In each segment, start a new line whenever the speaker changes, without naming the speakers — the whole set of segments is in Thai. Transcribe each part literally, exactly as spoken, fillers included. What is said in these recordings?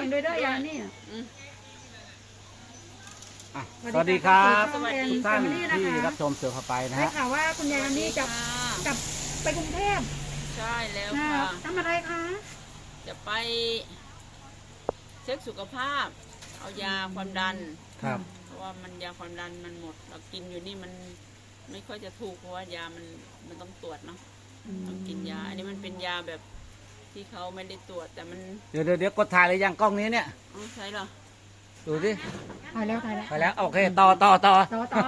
ด้วยเด้อยานี่
สวัสดีครับทุกท่าน
ที่
ที่รับชมเสือพาไปนะ
ได้
ฮะ
ข่าวว่าคุณยายนี่จะกลับไปกรุงเทพ
ใช่แล้วค่ะ
ทำอะไรคะ
จะไปเช็คสุขภาพ เอายาความดัน
ครับ
เพราะว่ามันยาความดันมันหมด เรากินอยู่นี่มันไม่ค่อยจะถูกเพราะว่ายามันมันต้องตรวจเนาะต้องกินยา อันนี้มันเป็นยาแบบที่เขาไม่ได้ตรวจแต่มัน
เดี๋ยวเดี๋ยวเดี๋ยวกดถ่ายเลยยังกล้องนี้เนี่ย
อ๋อใช่เหรอ
ดูสิ
ถ่ายแล้วถ่ายแล้ว
ไปแล้วโอเคต่อต่อต่อ
ต่อต่อ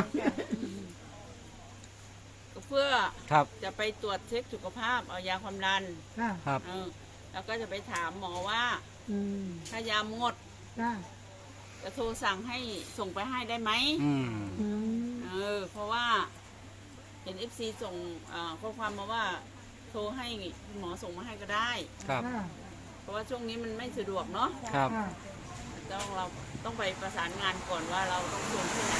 ก็เพื่อ
ครับ
จะไปตรวจเช็คสุขภาพ เอายาความดัน
ค่ะ
ครับ
เออแล้วก็จะไปถามหมอว่า
อืม
ถ้ายาหมด
ค่ะ
จะโทรสั่งให้ส่งไปให้ได้ไหม
อืม
อืม
เออเพราะว่าเห็นเอฟซีส่งอ่าข้อความมาว่าโทรให้คุณหมอส่งมาให้ก็ได้
ครับ
ค่ะ
เพราะว่าช่วงนี้มันไม่สะดวกเนาะ
ครับ
ค่ะ
ต้องเราต้องไปประสานงานก่อนว่าเราต้องส่งที่ไหน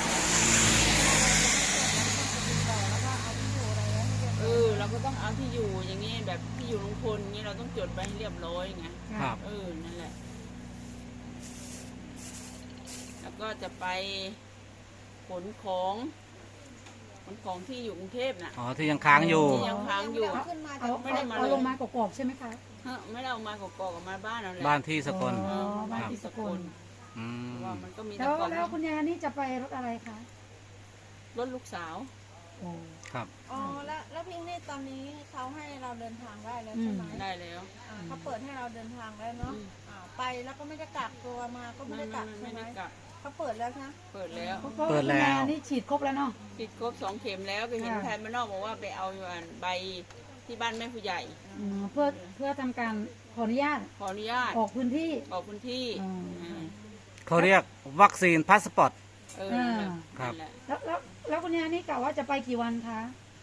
เออเราก็ต้องเอาที่อยู่อย่างนี้แบบที่อยู่ลุงพลอย่างนี้เราต้องจดไปให้เรียบร้อยไง
ครับ
เออนั่นแหละ แล้วก็จะไปขนของขนของที่อยู่กรุงเทพน่ะ
อ๋อที่ยังค้างอยู่
ที่ยังค้างอยู่
เอา
ไม่ได้มาเลย
เอาลงมากรอกๆใช่ไหมคะ
เฮ้อไม่ได้เอามากอกๆออกมาบ้านเราแหละ
บ้านที่สกล
อ๋อบ้านที่สกล
อืม
ว่ามันก็มี
แล้
แต่
ว
ก่อน
แล้วคุณยายนี่จะไปรถอะไรคะ
รถลูกสาว
โอ้
ครับ
อ๋อแล้วแล้วพิงนี่ตอนนี้เขาให้เราเดินทางได้แล้วใช่ไหม
ได้แล้ว
อ่าเขาเปิดให้เราเดินทางแล้วเนาะ
อืม
อ่าไปแล้วก็ไม่ได้กักตัวมาก็ไม่
ไม่
ได้
ไม่
กัก
ไม่
ใช่ไหม
ได้กลับ
เขาเปิดแล้วนะ
เปิดแล้ว
เพราะว่าคุณยายนี่ฉีดครบแล้วเนาะ
ติดครบสองเข็มแล้วก็เห็น
ค่ะ
แทนมานอกบอกว่าไปเอาใบที่บ้านแม่ผู้ใหญ่
อืมเพื่อเพื่อทำการขออนุญาต
ขออนุญาต
ออกพื้นที่
ออกพื้นที่
อืม
อืม
เขาเรียกวัคซีนพาสปอร์ต
เออนั่นแหละ
ครับ
นั่นแหละ
แล้วแล้วแล้วคุณยายนี่กะว่าจะไปกี่วันคะ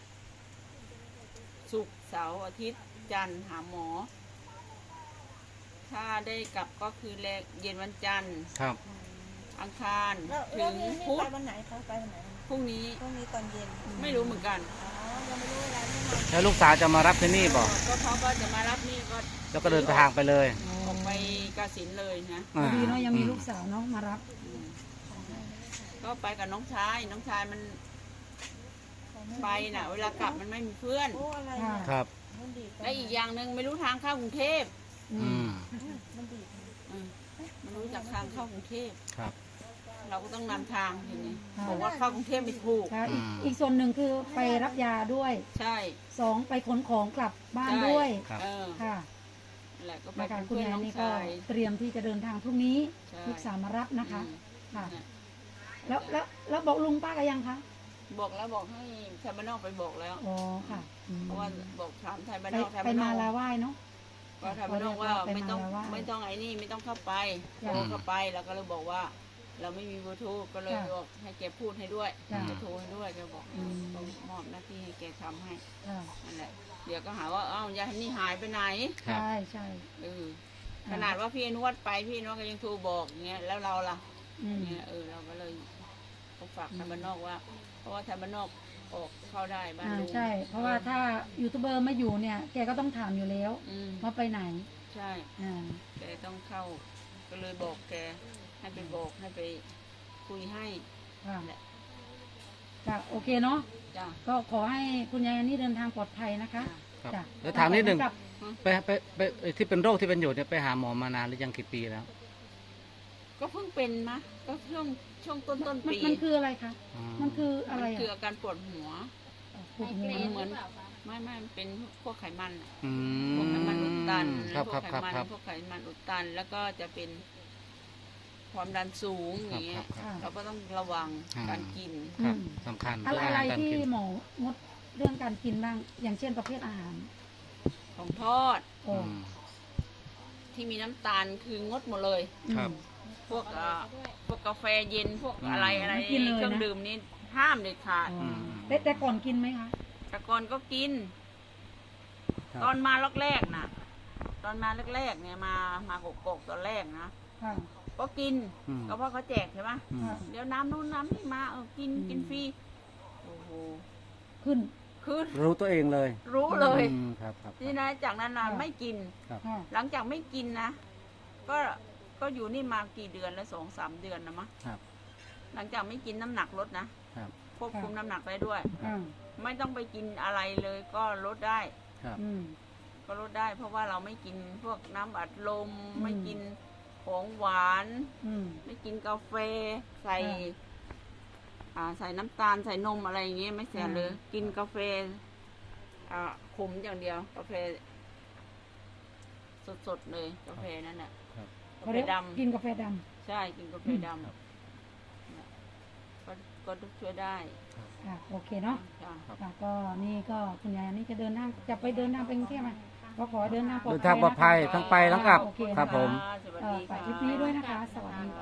ศุกร์เสาร์อาทิตย์จันทร์หาหมอ ถ้าได้กลับก็คือแลเย็นวันจันทร์
ครับ
อังคาร
แล้ว
ถึ
แล้ว
ง
พิงนี่
พุ
ไป
ธ
วันไหนเขาไปวันไหน
พรุ่งนี้
พรุ่งนี้ตอนเย็น
ไม่รู้เหมือนกัน
อ๋อยังไม่รู้เวลาแน่นอน
แล้วลูกสาวจะมารับที่นี่บอก
ก็เขาก็จะมารับนี่ก็
แล้วก็เดินทางไปเลย
ออกไปกาฬสินธุ์เลยนะ
อ่า
ดีเนาะยังมีลูกสาวเนาะมารับ
อืมก็ไปกับน้องชาย น้องชายมันไปน่ะ เวลากลับมันไม่มีเพื่อน
โอ้อะไร
ค่ะ
เนี่ย
ครับ
มันดีด
และอีกอย่างหนึ่งไม่รู้ทางเข้ากรุงเทพ
อื
อื
ม
ม
มันดีด
อืมไม่รู้จักทางเข้ากรุงเทพ
ครับ
เราก็ต้องนำทางทีนี้
ค่ะ
บอกว่าเข้ากรุงเทพไม่ถูก
ค่ะอีก
อืม
อีกส่วนหนึ่งคือไปรับยาด้วย
ใช่
สองไปขนของกลับบ้าน
ใช่
ด้วย
ครับ
เออ
ค่ะ
นั่นแหละก็ไป
นะคะ
เป็น
คุณ
เพื่อน
ยาย
น้อง
นี่ก็
ชาย
เตรียมที่จะเดินทางพรุ่งนี้
ใช่
ลูกสาวมารับนะคะ
อืม
ค่ะ
เนี่ย
แล้วแล้วแล้วบอกลุงป้ากันยังคะ
บอกแล้วบอกให้ไทยบ้านนอกไปบอกแล้ว
อ๋อค่ะอืม
เพราะว่าบอกถามไทยบ้าน
ไป
นอกไทย
ไป
บ้านน
มา
อก
ลาไหว้เนาะ
ก็ไทยบ้านนอกว่า
ไปมา
ไม่ต้อง
แล้วว่า
ไม่ต้องไอ้นี่ไม่ต้องเข้าไป
จ้ะ
โทรเข้าไปแล้วก็เลยบอกว่า เราไม่มีเบอร์โทรก็เลย
จ้ะ
บอกให้แกพูดให้ด้วย
จ้ะ
จะโทรให้ด้วยแกบอก
อืม
ต้องมอบหน้าที่ให้แกทำให้
ค่ะ
นั่นแหละเดี๋ยวก็หาว่าอ้าวยายนี่หายไปไหน
ครับ
ใช่ใช่
เออขนาดว่าพี่อนุวัฒน์ไปพี่อนุวัฒน์ก็ยังโทรบอกอย่างเงี้ยแล้วเราล่ะ
อืม
เนี่ยเออเราก็เลยต้องฝากไทยบ้านนอกว่า เพราะว่าไทยบ้านนอกออกเข้าได้บ้าน
อ่า
ลุง
ใช่ เพราะว่าถ้ายูทูบเบอร์ไม่อยู่เนี่ย แกก็ต้องถามอยู่แล้ว
อืม
ว่าไปไหน
ใช่
อ่า
แกต้องเข้า ก็เลยบอกแกให้ไปบอกให้ไปคุยให้
ค่ะ
แหละ
ค่ะโอเคเนาะ
จ้ะ
ก็ขอให้คุณยายอันนี่เดินทางปลอดภัยนะคะ
ครับ
จ้ะ
แล้วถามนิดหนึ่ง
กลับ
ไปไปไปเอ่อที่เป็นโรคที่เป็นอยู่เนี่ยไปหาหมอมานานหรือยังกี่ปีแล้ว
ก็เพิ่งเป็นมะก็ช่วงช่วงต้นต้น
มัน
ปี
มันคืออะไรคะ
อ๋อ
มันคืออะไร
มันคือ
อ่ะ
อาการปวดหัว
ปวดหัว
เหมือนไม่ไม่มันเป็นพวกไขมันอะ
อื
พวกไขมันอุดตัน
ครับ
พ
คว รั
ก
บ
ไข
ครับ
มัน
ครับ
พวกไขมันอุดตัน แล้วก็จะเป็นความดันสูงอ
ครับ
ย่างเงี้
ครั
ย
บครับ
เราก็ต้องระวัง
อ่า
การกิน
ครับ
อืม
สำคัญ
อะไร
เรื่อง
อะไร
อาหารการ
ที่
กิน
หมองดเรื่องการกินบ้าง อย่างเช่นประเภทอาหาร
ของทอด
โอ้
อืม
ที่มีน้ำตาลคืองดหมดเลย
ครับ
พวกเอ่อพวกกาแฟเย็นพวก
อืม
อะไรอะไร
ไม่กินเลยนะ
เครื่องดื่มนี่ห้ามเด็ดขาด
อ๋อแต่แต่ก่อนกินไหมคะ
แต่ก่อนก็กิน
ครับ
ตอนมาแรกๆนะตอนมาแรกๆเนี่ยมามากกๆตอนแรกนะ
ค่ะ
ก็กิน
อืม
ก็เพราะเขาแจกใช่ไหม
อืม
ค่ะ
เดี๋ยวน้ำนู้นน้ำนี่มาเออกิน
อืม
กินฟรีโอ้โห
ขึ้น
คือ
รู้ตัวเองเลย
รู้เลย
อืมครับครับ
นี่นะจากนั้นนะ
ค่ะ
ไม่กิน
ค่ะ
หลังจากไม่กินนะ ก็ก็อยู่นี่มากี่เดือนแล้วสองสามเดือนนะมะ
ครับ
หลังจากไม่กินน้ำหนักลดนะครับ ควบคุมน้ำหนักได้ด้วย
อ่า
ไม่ต้องไปกินอะไรเลยก็ลดได้
ครับ
อืม
ก็ลดได้ เพราะว่าเราไม่กินพวกน้ำอัดลม
อืม
ไม่กินของหวาน
อืม
ไม่กินกาแฟใส่
อ่า
อ่าใส่น้ำตาลใส่นมอะไรอย่างเงี้ยไม่เสีย
อ่า
เลย กินกาแฟอ่าขมอย่างเดียว กาแฟ สดๆเลยกาแฟนั่นแหละ
ครับ
กา
เขา
แฟ
เรียก
ดำ
กินกาแฟด
ใช่กินกาแฟด
ครับ
ำก็ก็ช่วยได้
ำค่ะโอเคเนาะ
จ้ะ
ค่ะก็นี่ก็คุณยายนี่จะเดินทางจะไปเดินทางไปกรุงเทพไหมก็ขอให้เดินทางปลอด
เดิน
ภั
ทาง
ย
ปลอดภัย
นะคะ
ทั้งไปทั้งกลับ
โอเค
ครับผม
สวัส
เอ่อ
ดี
ฝาก
ค่ะ
คลิปนี้ด้วยนะคะ สวัสดีค่ะ